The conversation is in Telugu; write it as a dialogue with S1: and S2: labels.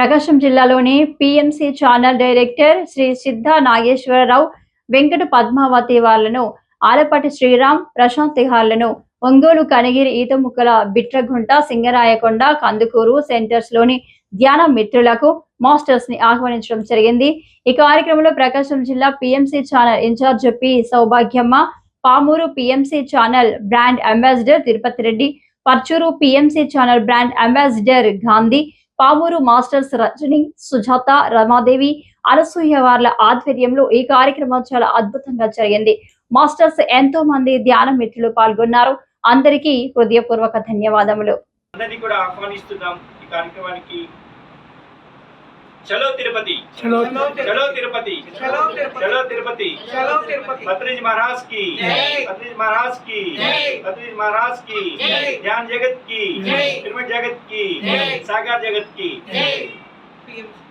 S1: ప్రకాశం జిల్లాలోని పిఎంసి ఛానల్ డైరెక్టర్ శ్రీ సిద్ధ నాగేశ్వరరావు, వెంకట పద్మావతి వాళ్లను, ఆలపాటి శ్రీరామ్, ప్రశాంత్ తిహార్లను ఒంగోలు, కనిగిరి, ఈతముక్కల, బిట్రగుంట, సింగరాయకొండ, కందుకూరు సెంటర్స్ లోని ధ్యాన మిత్రులకు, మాస్టర్స్ ని ఆహ్వానించడం జరిగింది. ఈ కార్యక్రమంలో ప్రకాశం జిల్లా PMC channel in charge P Sowbhagyamma, Pamuru PMC channel brand ambassador Tirupati Reddy, Parchuru PMC channel brand ambassador Gandhi, Pamuru masters Rajani, Sujatha, Ramadevi, Anasuya వార్ల ఆధ్వర్యంలో ఈ కార్యక్రమం చాలా అద్భుతంగా జరిగింది. మాస్టర్స్ ఎంతో మంది ధ్యాన మిత్రులు పాల్గొన్నారు. అందరికీ హృదయపూర్వక ధన్యవాదములు.
S2: అందరినీ కూడా ఆహ్వానిస్తున్నాం ఈ కార్యక్రమానికి. చలో తిరుపతి,
S3: చలో
S2: చలో తిరుపతి,
S3: చలో తిరుపతి,
S2: చలో తిరుపతి,
S3: చలో తిరుపతి,
S2: పత్రిజ్ महाराज की, पत्रिज महाराज की, पत्रिज महाराज की, ध्यान जगत की, पिरमिड जगत की, सागर जगत की।